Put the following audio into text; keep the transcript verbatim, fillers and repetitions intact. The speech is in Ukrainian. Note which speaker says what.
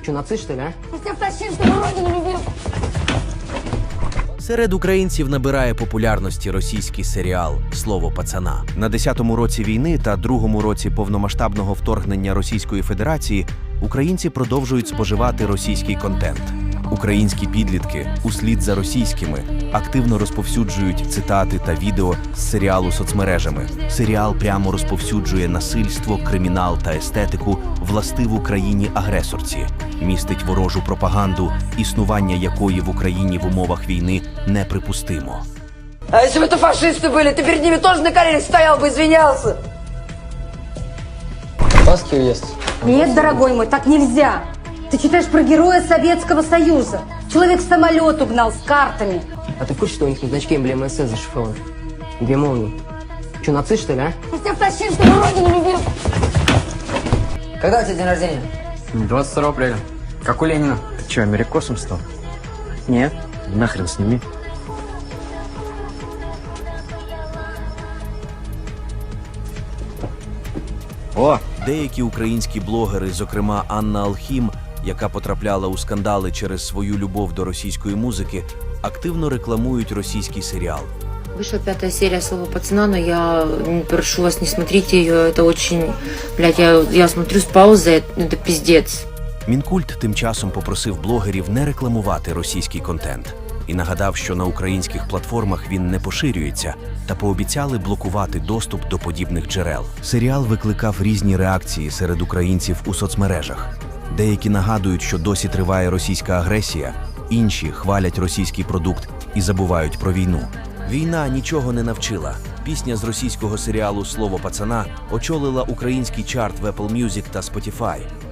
Speaker 1: Че, нацист, что ли, а?
Speaker 2: Я тебя втащил, чтобы родину любил.
Speaker 3: Серед українців набирає популярності російський серіал «Слово пацана». На десятому році війни та другому році повномасштабного вторгнення Російської Федерації українці продовжують споживати російський контент. Українські підлітки, услід за російськими, активно розповсюджують цитати та відео з серіалу соцмережами. Серіал прямо розповсюджує насильство, кримінал та естетику, властиву країні-агресорці, містить ворожу пропаганду, існування якої в Україні в умовах війни неприпустимо.
Speaker 1: А если бы это фашисты были, ты перед ними тоже на коленях стоял бы, извинялся.
Speaker 4: Баски уезд.
Speaker 2: Нет, дорогой мой, так нельзя. Ты читаешь про героя Советского Союза. Человек самолет угнал с картами.
Speaker 1: А ты в курсе, что у них на значке эмблема СС зашифрована? Две молнии. Че, нацист, что ли, а?
Speaker 2: Я тебя втащил, чтобы родину любил.
Speaker 4: Когда у тебя день рождения?
Speaker 5: двадцать второго апреля. Как у Ленина.
Speaker 4: Ты что, америкосом стал? Нет. Нахрен сними.
Speaker 3: О! Деякі українські блогери, зокрема Анна Алхім, яка потрапляла у скандали через свою любов до російської музики, активно рекламують російський серіал.
Speaker 6: Вышла пятая серия «Слова пацана», но я прошу вас, не смотрите ее, это очень, блядь, я, я смотрю с паузы, это пиздец.
Speaker 3: Мінкульт тим часом попросив блогерів не рекламувати російський контент і нагадав, що на українських платформах він не поширюється, та пообіцяли блокувати доступ до подібних джерел. Серіал викликав різні реакції серед українців у соцмережах. Деякі нагадують, що досі триває російська агресія, інші хвалять російський продукт і забувають про війну. Війна нічого не навчила. Пісня з російського серіалу «Слово пацана» очолила український чарт в Apple Music та Spotify.